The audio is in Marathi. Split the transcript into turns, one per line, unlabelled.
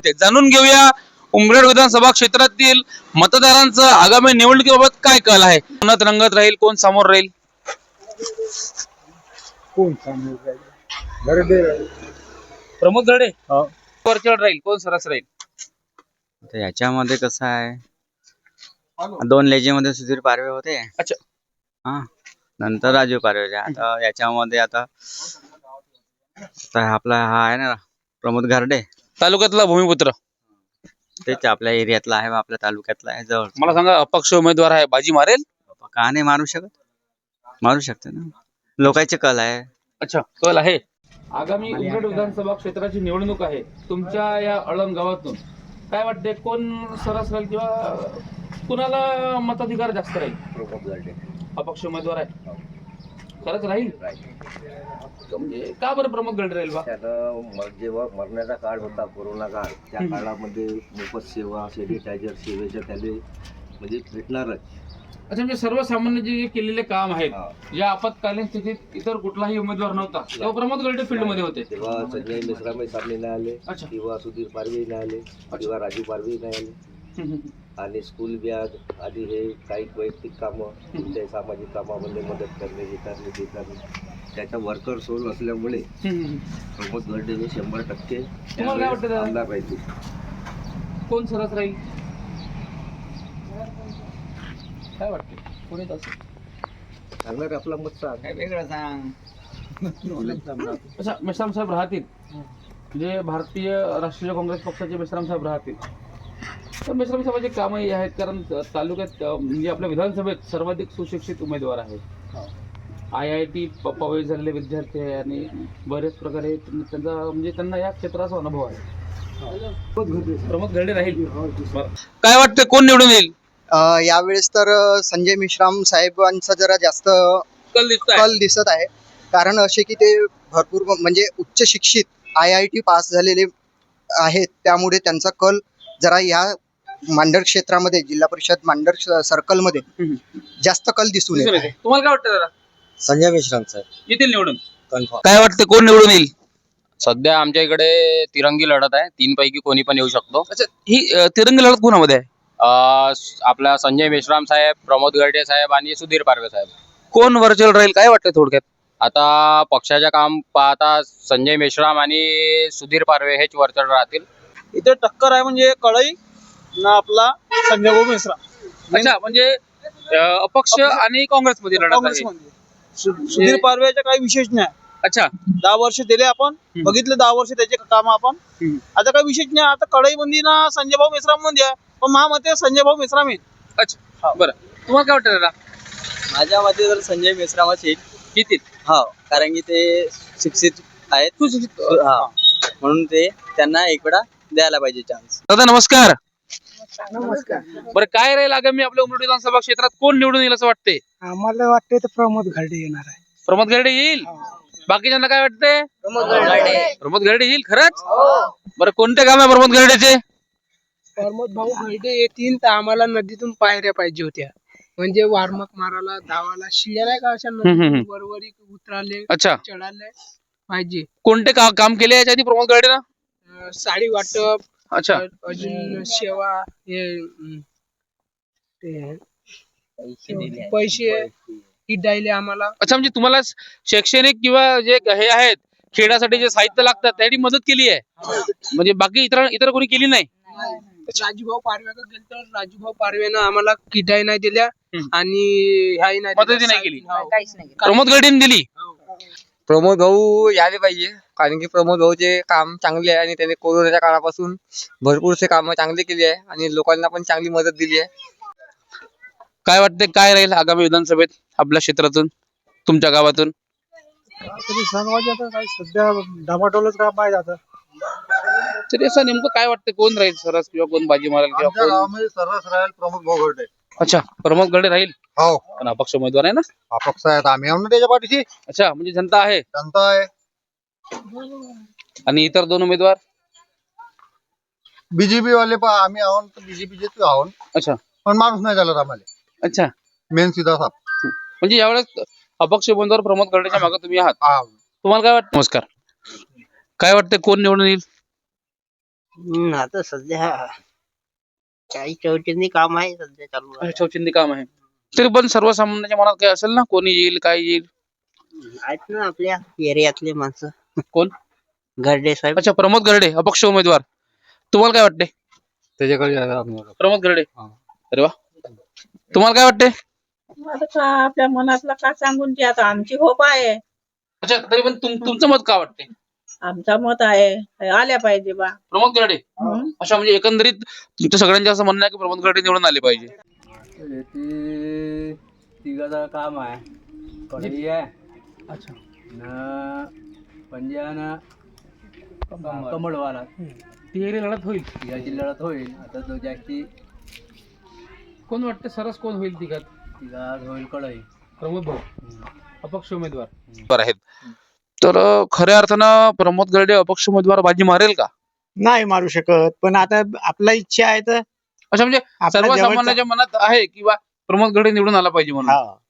वाटते जाणून घेऊया उमरेड विधानसभा क्षेत्रातील मतदारांचं आगामी निवडणुकीबाबत काय कल आहे. कोणात रंगत राहील, कोण समोर राहील?
कोण समोर राहील? गरडे राहील.
प्रमोद गरडे
हो.
वरचढ राहील, कोण सरस राहील?
तर याच्यामध्ये कसं आहे, दोन लेजीमध्ये सुधीर पारवे होते.
अच्छा.
हा, नंतर राजू पारवे होते. आता याच्यामध्ये आता आपला हा आहे ना प्रमोद गारडे,
तालुक्यातला भूमिपुत्र.
तेच आपल्या एरियातला आहे, आपल्या तालुक्यातला आहे जवळ.
मला सांगा, अपक्ष उमेदवार आहे, बाजी मारेल?
का नाही मारू शकत? मारू शकते ना, लोकांचे कल आहे.
अच्छा, कल आहे. आगामी उमरेड विधानसभा क्षेत्राची निवडणूक आहे. तुमच्या या अळण गावातून काय वाटते, कोण सरस राहील किंवा कुणाला मताधिकार जास्त राहील?
प्रमोद गारडे
अपक्ष उमेदवार आहे, खरंच राहील? म्हणजे का बरं प्रमोद गरडे राहील बा?
त्यानं जेव्हा मरण्याचा काळ होता, कोरोना काळ, त्या काळामध्ये मोफत सेवा, सॅनिटायझर सेवेच्या त्याने म्हणजे भेटणारच.
अच्छा, म्हणजे सर्वसामान्य जे केलेले काम आहेत या आपत्कालीन स्थितीत इतर कुठलाही उमेदवार नव्हता तेव्हा प्रमोद गरडे फील्ड मध्ये होते.
तेव्हा संजय मिश्रामे सामने नाही आले,
अच्छा.
किंवा सुधीर पारवे नाही आले, किंवा राजू पारवे नाही आले. आणि स्कूल बॅग आधी हे काही वैयक्तिक कामं, त्या सामाजिक कामामध्ये मदत करणे, हे करणे, त्याचा वर्कर सोल असल्यामुळे प्रमोद गरडे हे 100%
तुम्हाला काय वाटतं दादा?
आमदार राहायचे.
कोण सरस राहील? काय वाटते, कोणी तसं
सांगणार आपला मत सांग.
वेगळं सांग.
अच्छा, मेश्राम साहेब राहतील, जे भारतीय राष्ट्रीय काँग्रेस पक्षाचे मेश्राम साहेब राहतील. तर मेश्राम साहेबांचे कामही आहेत, कारण तालुक्यात म्हणजे आपल्या विधानसभेत सर्वाधिक सुशिक्षित उमेदवार आहेत. IIT पदवी झालेले विद्यार्थी आहे आणि बरेच प्रकारे त्यांचा म्हणजे त्यांना या क्षेत्राचा अनुभव आहे. प्रमोद गरडे राहील. काय वाटतं, कोण निवडून येईल?
यावेळेस तर संजय मिश्राम साहेबांचा जरा जास्त कल दिसत आहे. कारण असे की ते भरपूर म्हणजे उच्च शिक्षित IIT पास झालेले आहेत, त्यामुळे त्यांचा कल जरा या मांडर क्षेत्रामध्ये, जिल्हा परिषद मांडर सर्कलमध्ये जास्त कल दिसून येत आहे.
तुम्हाला काय वाटतं दादा?
संजय मिश्राम साहेब
येतील निवडून?
कन्फर्म.
काय वाटतं, कोण निवडून येईल?
सध्या आमच्या इकडे तिरंगी लढत आहे, 3 पैकी कोणी पण येऊ शकतो.
अच्छा, ही तिरंगी लढत कोणामध्ये आहे?
आपला संजय मेश्राम साहेब, प्रमोद गरडे साहेब आणि सुधीर पारवे साहेब.
कोण वरचढ राहील काय वाटतं थोडक्यात?
आता पक्षाच्या काम पाहता संजय मेश्राम आणि सुधीर पारवे हेच वरचढ राहतील.
इथे टक्कर आहे म्हणजे कळई ना आपला संजय भाऊ मिश्रा.
अच्छा, म्हणजे अपक्ष आणि काँग्रेसमध्ये लढत आहे.
काँग्रेसमध्ये सुधीर पारवेचा काही विशेष नाही.
अच्छा.
10 वर्ष दिले आपण, बघितले 10 वर्ष त्याचे काम आपण. आता काही विशेष नाही. आता कळई मध्ये ना संजय भाऊ मिश्राम मध्ये आहे, पण महामते संजय भाऊ मिश्राम येईल.
अच्छा, बरं. तुम्हाला काय वाटतं दादा?
माझ्या मते तर संजय मिश्रामच येईल.
येतील?
हो, कारण की ते शिक्षित आहेत.
सुशिक्षित.
हा, म्हणून ते त्यांना एक वेळा द्यायला पाहिजे चान्स.
दादा नमस्कार.
नमस्कार.
बरं, काय राहील आगामी आपल्या उमरेड विधानसभा क्षेत्रात, कोण निवडून येईल असं वाटते?
आम्हाला वाटते तर प्रमोद गरडे येणार आहे.
प्रमोद गरडे येईल? बाकीच्यांना काय वाटते? प्रमोद गरडे येईल खरंच? बरं, कोणते काम आहे प्रमोद गरडेचे?
प्रमोद भाऊ गरडे येतील तर आम्हाला नदीतून पायऱ्या पाहिजे होत्या, म्हणजे वार्मक मारायला, धावायला, शिड्या नाही का अशा नदीतून वरवरी उतराले,
अच्छा.
चढाले पाहिजे.
कोणते काम केले याच्या आधी प्रमोद गरडेनं?
साडी वाटप,
अच्छा.
अजून सेवा, हे पैसे ही द्यायले आम्हाला.
अच्छा, म्हणजे तुम्हाला शैक्षणिक किंवा जे हे आहेत खेळासाठी जे साहित्य लागतात त्याची मदत केली आहे, म्हणजे बाकी इतर कोणी केली नाही?
राजूभाऊ पारवेकडे गेलो तर राजूभाऊ पारवेनं आम्हाला किटाई नाही दिल्या आणि ह्याही नाही
मदतही नाही केली.
हो.
प्रमोद गरडेने दिली.
प्रमोद भाऊ यायला पाहिजे, कारण की प्रमोद भाऊचे काम चांगले आहे आणि त्याने कोरोनाच्या काळापासून भरपूरसे कामं चांगले केली आहे आणि लोकांना पण चांगली मदत दिली आहे.
काय वाटते, काय राहील आगामी विधानसभेत आपल्या क्षेत्रातून, तुमच्या गावातून?
तरी सांगायचं आता काय सध्या डमाटोलच काम पाहिजे. आता
तरी असं नेमकं काय वाटतं, कोण राहील सरस किंवा कोण बाजी मारेल किंवा कोण?
सर्वच राहील प्रमोद भाऊ गरडे.
अच्छा, प्रमोद गरडे राहील.
हो,
पण अपक्ष उमेदवार आहे ना?
अपक्ष आहेत, आम्ही आहो ना त्याच्या पाठीशी.
अच्छा, म्हणजे जनता आहे.
जनता आहे.
आणि इतर 2 उमेदवार?
बीजेपी वाले आम्ही आहोत, बीजेपीचे आहोत.
अच्छा.
पण माणूस नाही झाला आम्हाला.
अच्छा,
मेन सीधा साहेब.
म्हणजे यावेळेस अपक्ष उमेदवार प्रमोद गरडेच्या मागे तुम्ही आहात.
हा.
तुम्हाला काय वाटतं? नमस्कार. काय वाटतं, कोण निवडून येईल?
आता सध्या काही चौचंदी काम आहे सध्या चालू आहे.
शौचंदी काम आहे. तरी पण सर्वसामान्यांच्या मनात काय असेल ना, कोणी येईल काय येईल.
आहेत ना आपल्या एरियातले माणसं.
कोण?
गर्डे साहेब.
अच्छा, प्रमोद गरडे अपक्ष उमेदवार. तुम्हाला काय वाटते?
त्याच्याकडे
प्रमोद गरडे.
हा.
अरे वा. तुम्हाला काय वाटते?
आता का आपल्या मनातला का सांगून ती आता आमची होप आहे.
अच्छा, तरी पण तुमचं मत काय वाटते?
आमचा मत आहे आल्या पाहिजे बा.
प्रमोद गरडे. अच्छा, म्हणजे एकंदरीत तुमच्या सगळ्यांचे असं म्हणणं आहे की प्रमोद गरडे निवडून आले पाहिजे.
तिघाचं काम आहे कढई आहे
अच्छा.
पंजाना कमळवाला
तिहेरी लढत होईल.
तिघाची लढत होईल. आता तो जास्ती
कोण वाटते सरस कोण होईल तिघात?
तिघात होईल कढई.
प्रमोद भाऊ अपक्ष उमेदवार आहेत. तर खऱ्या अर्थानं प्रमोद गरडे अपक्ष उमेदवार बाजी मारेल का?
नाही मारू शकत, पण आता आपला इच्छा आहे तर
अच्छा, म्हणजे
आपल्या
सर्वसामान्यांच्या मनात आहे की बा प्रमोद गरडे निवडून आला पाहिजे म्हणून.
हा